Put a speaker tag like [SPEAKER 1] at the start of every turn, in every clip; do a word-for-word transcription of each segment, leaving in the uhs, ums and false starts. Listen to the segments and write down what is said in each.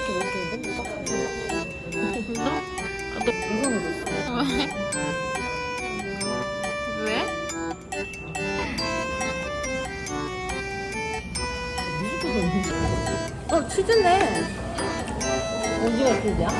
[SPEAKER 1] 이렇게 먹는데 딱
[SPEAKER 2] 너? 아, 너
[SPEAKER 1] 이상해졌어.
[SPEAKER 2] 왜? 왜?
[SPEAKER 1] 어, 치즈네. 어디가 치즈야?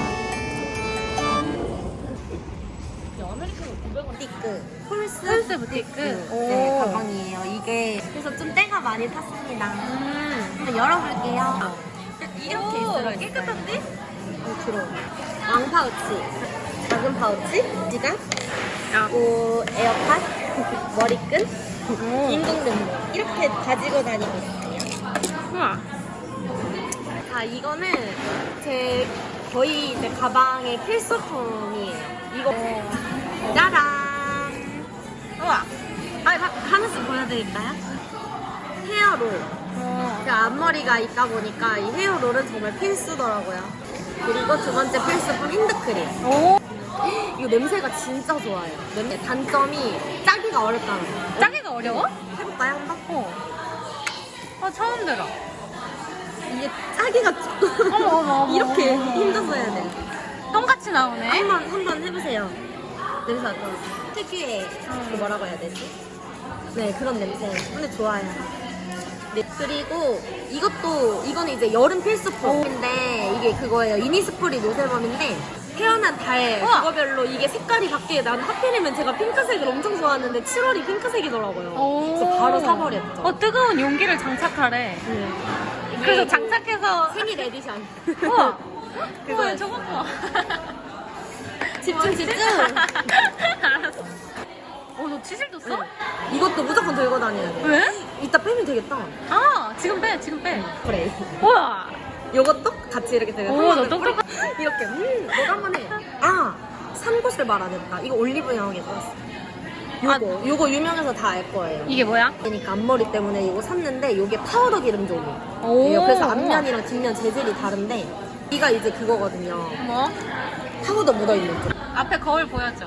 [SPEAKER 1] 아메리카노 구백 원. 부티크. 폴스.
[SPEAKER 2] 폴스 부티크? 오.
[SPEAKER 1] 네, 가방이에요. 이게. 그래서 좀 때가 많이 탔습니다.
[SPEAKER 2] 음.
[SPEAKER 1] 한번 열어볼게요. 이렇게 있어요.
[SPEAKER 2] 깨끗한데?
[SPEAKER 1] 어, 들어. 왕 파우치. 작은 파우치. 지갑.
[SPEAKER 2] 야.
[SPEAKER 1] 그리고 에어팟. 머리끈.
[SPEAKER 2] 오.
[SPEAKER 1] 인공눈물. 이렇게 가지고 다니고 있어요.
[SPEAKER 2] 우와.
[SPEAKER 1] 자, 이거는 제 거의 제 가방의 필수품이에요. 이거 짜란.
[SPEAKER 2] 우와.
[SPEAKER 1] 아, 하나씩 보여드릴까요? 헤어롤.
[SPEAKER 2] 어.
[SPEAKER 1] 제가 앞머리가 있다 보니까 이 헤어롤은 정말 필수더라고요. 그리고 두 번째 필수품 핸드크림.
[SPEAKER 2] 오.
[SPEAKER 1] 이거 냄새가 진짜 좋아요. 냄새 단점이 짜기가 어렵다는 거.
[SPEAKER 2] 짜기가 어려워?
[SPEAKER 1] 해볼까요, 한번?
[SPEAKER 2] 어. 어, 처음 들어.
[SPEAKER 1] 이게 짜기가 조금
[SPEAKER 2] 어머, 어머, 어머,
[SPEAKER 1] 이렇게
[SPEAKER 2] 어머, 어머.
[SPEAKER 1] 힘줘서 해야 돼요.
[SPEAKER 2] 똥같이 나오네.
[SPEAKER 1] 한번 한번 해보세요. 냄새 어떠세요? 특유의 그 뭐라고 해야 되지? 네, 그런 냄새. 근데 좋아요. 네, 그리고 이것도 이거는 이제 여름 필수품인데 이게 그거예요. 이니스프리 노세범인데 태어난 달
[SPEAKER 2] 우와.
[SPEAKER 1] 그거별로 이게 색깔이 바뀌게. 난 하필이면 제가 핑크색을 엄청 좋아하는데 칠월이 핑크색이더라고요.
[SPEAKER 2] 오.
[SPEAKER 1] 그래서 바로 사버렸죠.
[SPEAKER 2] 어, 뜨거운 용기를 장착하래.
[SPEAKER 1] 네.
[SPEAKER 2] 그래서
[SPEAKER 1] 이게
[SPEAKER 2] 장착해서.
[SPEAKER 1] 생일 에디션.
[SPEAKER 2] 우와.
[SPEAKER 1] 그거
[SPEAKER 2] 우와, 저거 봐.
[SPEAKER 1] 집중 집중.
[SPEAKER 2] 알았어. 어, 너 치실도 써?
[SPEAKER 1] 이것도 무조건 들고 다녀야 돼.
[SPEAKER 2] 왜?
[SPEAKER 1] 이따 빼면 되겠다.
[SPEAKER 2] 아, 지금 빼, 지금 빼.
[SPEAKER 1] 그래.
[SPEAKER 2] 우와.
[SPEAKER 1] 요것도 같이 이렇게 들고.
[SPEAKER 2] 오, 너 똑똑하-
[SPEAKER 1] 이렇게. 음, 너도 한번 해. 아, 산 곳을 말 안 했다. 이거 올리브영에 샀어. 요거, 요거 유명해서 다 알 거예요.
[SPEAKER 2] 이게 뭐야?
[SPEAKER 1] 그러니까 앞머리 때문에 이거 샀는데 요게 파우더 기름종이에요.
[SPEAKER 2] 오.
[SPEAKER 1] 그래서 앞면이랑 뒷면 재질이 다른데 이가 이제 그거거든요.
[SPEAKER 2] 뭐?
[SPEAKER 1] 파우더 묻어있는 쪽.
[SPEAKER 2] 앞에 거울 보여줘.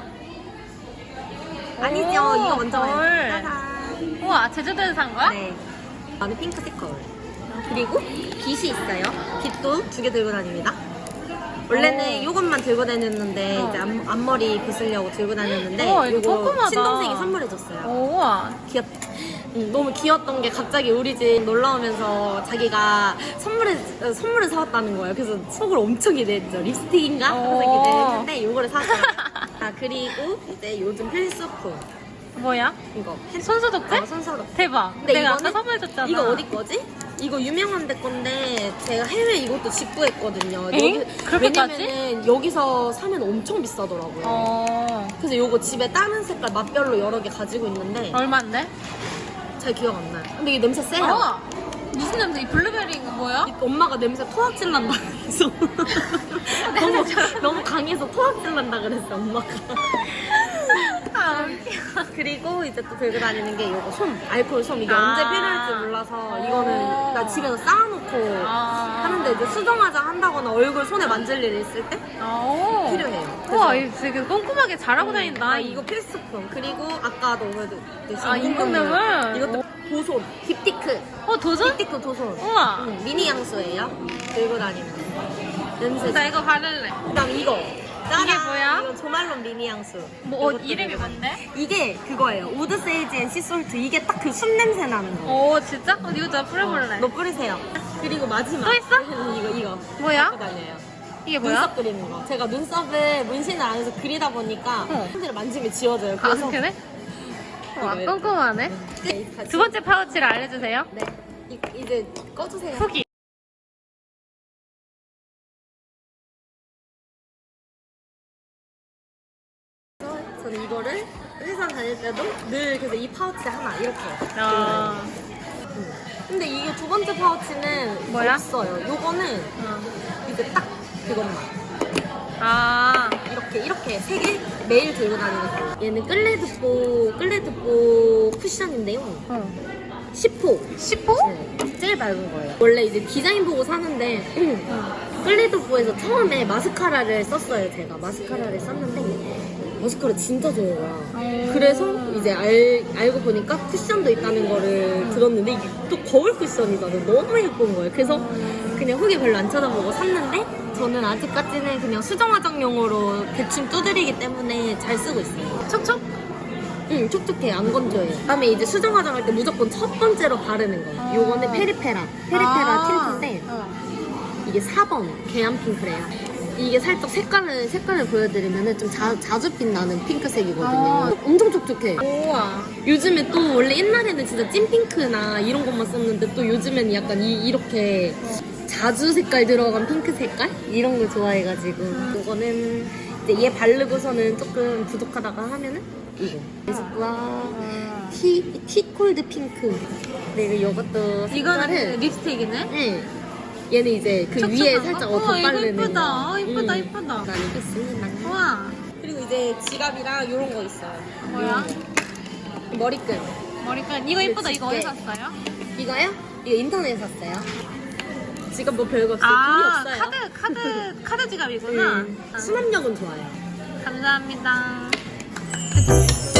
[SPEAKER 1] 아니죠.
[SPEAKER 2] 오,
[SPEAKER 1] 이거 먼저
[SPEAKER 2] 거울.
[SPEAKER 1] 봐요. 짜잔.
[SPEAKER 2] 우와, 제주도에서 산 거야?
[SPEAKER 1] 네. 나는 핑크색 거울. 그리고 빗이 있어요. 빗도 두 개 들고 다닙니다. 원래는
[SPEAKER 2] 오.
[SPEAKER 1] 이것만 들고 다녔는데
[SPEAKER 2] 어.
[SPEAKER 1] 이제 앞, 앞머리 빗으려고 들고 다녔는데
[SPEAKER 2] 우와, 이거
[SPEAKER 1] 요거
[SPEAKER 2] 조그마다.
[SPEAKER 1] 친동생이 선물해줬어요.
[SPEAKER 2] 우와.
[SPEAKER 1] 귀엽. 응, 너무 귀여웠던 게 갑자기 우리 집 놀러 오면서 자기가 선물을 어, 선물을 사왔다는 거예요. 그래서 속을 엄청 기대했죠. 립스틱인가? 그래서
[SPEAKER 2] 오.
[SPEAKER 1] 기대했는데 이거를 샀어요. 아, 그리고 이제 요즘 필수품
[SPEAKER 2] 뭐야?
[SPEAKER 1] 이거
[SPEAKER 2] 손소독제?
[SPEAKER 1] 어, 손소독.
[SPEAKER 2] 대박.
[SPEAKER 1] 근데
[SPEAKER 2] 내가
[SPEAKER 1] 이거는
[SPEAKER 2] 아까 선물해줬잖아.
[SPEAKER 1] 이거 어디 거지? 이거 유명한 데 건데 제가 해외 이것도 직구했거든요.
[SPEAKER 2] 엥? 그렇게까지?
[SPEAKER 1] 왜냐면은 여기서 사면 엄청 비싸더라고요.
[SPEAKER 2] 어.
[SPEAKER 1] 그래서 요거 집에 다른 색깔 맛별로 여러 개 가지고 있는데
[SPEAKER 2] 얼만데?
[SPEAKER 1] 잘 기억 안 나요. 근데 이게 냄새 세요.
[SPEAKER 2] 어. 무슨 냄새? 이 블루베리인가 뭐야?
[SPEAKER 1] 이 엄마가 냄새 토악질 난다 그래서 너무, 너무 강해서 토악질 난다 그랬어 엄마가.
[SPEAKER 2] 아, 웃겨.
[SPEAKER 1] 그리고 이제 또 들고 다니는 게 요거 솜, 알코올 솜. 이게
[SPEAKER 2] 아.
[SPEAKER 1] 언제 필요할지 몰라서 이거는 나 집에서 쌓아놓고
[SPEAKER 2] 아.
[SPEAKER 1] 하는데 이제 수정화장 한다거나 얼굴 손에 만질 일 있을 때
[SPEAKER 2] 오.
[SPEAKER 1] 필요해요.
[SPEAKER 2] 우와,
[SPEAKER 1] 그래서-
[SPEAKER 2] 이거 되게 꼼꼼하게 잘하고 다닌다.
[SPEAKER 1] 아, 이거 필수품. 그리고 아까 너무했듯이
[SPEAKER 2] 아, 인공눈물?
[SPEAKER 1] 이것도 도손, 딥티크.
[SPEAKER 2] 어, 도전?
[SPEAKER 1] 딥티크 도손.
[SPEAKER 2] 우와.
[SPEAKER 1] 응, 미니 향수예요. 들고 다니는 거. 냄새.
[SPEAKER 2] 나 이거 바를래.
[SPEAKER 1] 그다음 이거. 짜란.
[SPEAKER 2] 이게 뭐야?
[SPEAKER 1] 이거 조말론 미니 향수.
[SPEAKER 2] 뭐, 어,
[SPEAKER 1] 이것도
[SPEAKER 2] 이름이
[SPEAKER 1] 들고 다니는
[SPEAKER 2] 뭔데?
[SPEAKER 1] 거. 이게 그거예요. 우드 세이지 앤 씨솔트. 이게 딱 그 순 냄새 나는 거.
[SPEAKER 2] 오, 진짜? 어, 이거 나 뿌려볼래.
[SPEAKER 1] 너 뿌리세요. 그리고 마지막.
[SPEAKER 2] 또 있어?
[SPEAKER 1] 이거 이거.
[SPEAKER 2] 뭐야?
[SPEAKER 1] 갖고 다녀요.
[SPEAKER 2] 이게 뭐야?
[SPEAKER 1] 눈썹 그리는 거. 제가 눈썹을 문신을 안 해서 그리다 보니까
[SPEAKER 2] 어.
[SPEAKER 1] 손질을 만지면 지워져요.
[SPEAKER 2] 아,
[SPEAKER 1] 그래서
[SPEAKER 2] 그래? 와,
[SPEAKER 1] 이거
[SPEAKER 2] 꼼꼼하네.
[SPEAKER 1] 끝. 같이.
[SPEAKER 2] 두 번째 파우치를 알려주세요.
[SPEAKER 1] 네. 이, 이제 꺼주세요.
[SPEAKER 2] 후기.
[SPEAKER 1] 저는 이거를 회사 다닐 때도 늘 그래서 이 파우치 하나 이렇게.
[SPEAKER 2] 아,
[SPEAKER 1] 음. 근데 이게 두 번째 파우치는
[SPEAKER 2] 뭐야?
[SPEAKER 1] 없어요. 요거는
[SPEAKER 2] 어.
[SPEAKER 1] 이제 딱 그것만.
[SPEAKER 2] 아,
[SPEAKER 1] 이렇게 이렇게 세 개 매일 들고 다니는 거. 얘는 끌레드뽀 끌레드뽀 쿠션인데요.
[SPEAKER 2] 어.
[SPEAKER 1] 십 호.
[SPEAKER 2] 십 호?
[SPEAKER 1] 네, 제일 밝은 거예요. 원래 이제 디자인 보고 사는데 끌레드뽀에서 처음에 마스카라를 썼어요. 제가 마스카라를 썼는데 마스카라 진짜 좋은 거야.
[SPEAKER 2] 오.
[SPEAKER 1] 그래서 이제 알, 알고 보니까 쿠션도 있다는 거를 들었는데 이게 또 거울 쿠션이잖아. 너무 예쁜 거예요. 그래서 그냥 후기 별로 안 쳐다보고 샀는데 저는 아직까지는 그냥 수정 화장용으로 대충 두드리기 때문에 잘 쓰고 있어요.
[SPEAKER 2] 촉촉?
[SPEAKER 1] 응, 촉촉해. 안 건조해요. 그다음에 이제 수정 화장할 때 무조건 첫 번째로 바르는 거예요.
[SPEAKER 2] 어.
[SPEAKER 1] 요거는 페리페라. 페리페라
[SPEAKER 2] 아.
[SPEAKER 1] 틴트인데
[SPEAKER 2] 어.
[SPEAKER 1] 이게 사 번 계안 핑크래요. 이게 살짝 색깔을 색깔을 보여드리면은 좀 자, 자주 빛나는 핑크색이거든요.
[SPEAKER 2] 아.
[SPEAKER 1] 엄청 촉촉해.
[SPEAKER 2] 우와.
[SPEAKER 1] 요즘에 또 원래 옛날에는 진짜 찐핑크나 이런 것만 썼는데 또 요즘에는 약간 이, 이렇게 자주 색깔 들어간 핑크 색깔? 이런 거 좋아해가지고 이거는 이제 얘 바르고서는 조금 부족하다가 하면은 이거 와 티, 티콜드 핑크. 그리고 이것도
[SPEAKER 2] 이거는
[SPEAKER 1] 색깔은
[SPEAKER 2] 립스틱이네?
[SPEAKER 1] 응. 얘는 이제 그
[SPEAKER 2] 촉촉한
[SPEAKER 1] 위에
[SPEAKER 2] 거?
[SPEAKER 1] 살짝
[SPEAKER 2] 우와,
[SPEAKER 1] 더
[SPEAKER 2] 이거
[SPEAKER 1] 바르는
[SPEAKER 2] 이쁘다.
[SPEAKER 1] 거.
[SPEAKER 2] 어, 이쁘다,
[SPEAKER 1] 응.
[SPEAKER 2] 이쁘다.
[SPEAKER 1] 난 이거 쓰는
[SPEAKER 2] 우와.
[SPEAKER 1] 그리고 이제 지갑이랑 이런 거 있어요.
[SPEAKER 2] 뭐야?
[SPEAKER 1] 머리끈.
[SPEAKER 2] 머리끈. 이거 이쁘다. 이거 어디
[SPEAKER 1] 집게.
[SPEAKER 2] 샀어요?
[SPEAKER 1] 이거요? 이거 인터넷에 샀어요. 지갑 뭐 별거 없어요.
[SPEAKER 2] 아,
[SPEAKER 1] 돈이 없어요.
[SPEAKER 2] 카드, 카드, 카드 지갑이구나.
[SPEAKER 1] 응.
[SPEAKER 2] 아,
[SPEAKER 1] 수납력은 좋아요.
[SPEAKER 2] 감사합니다.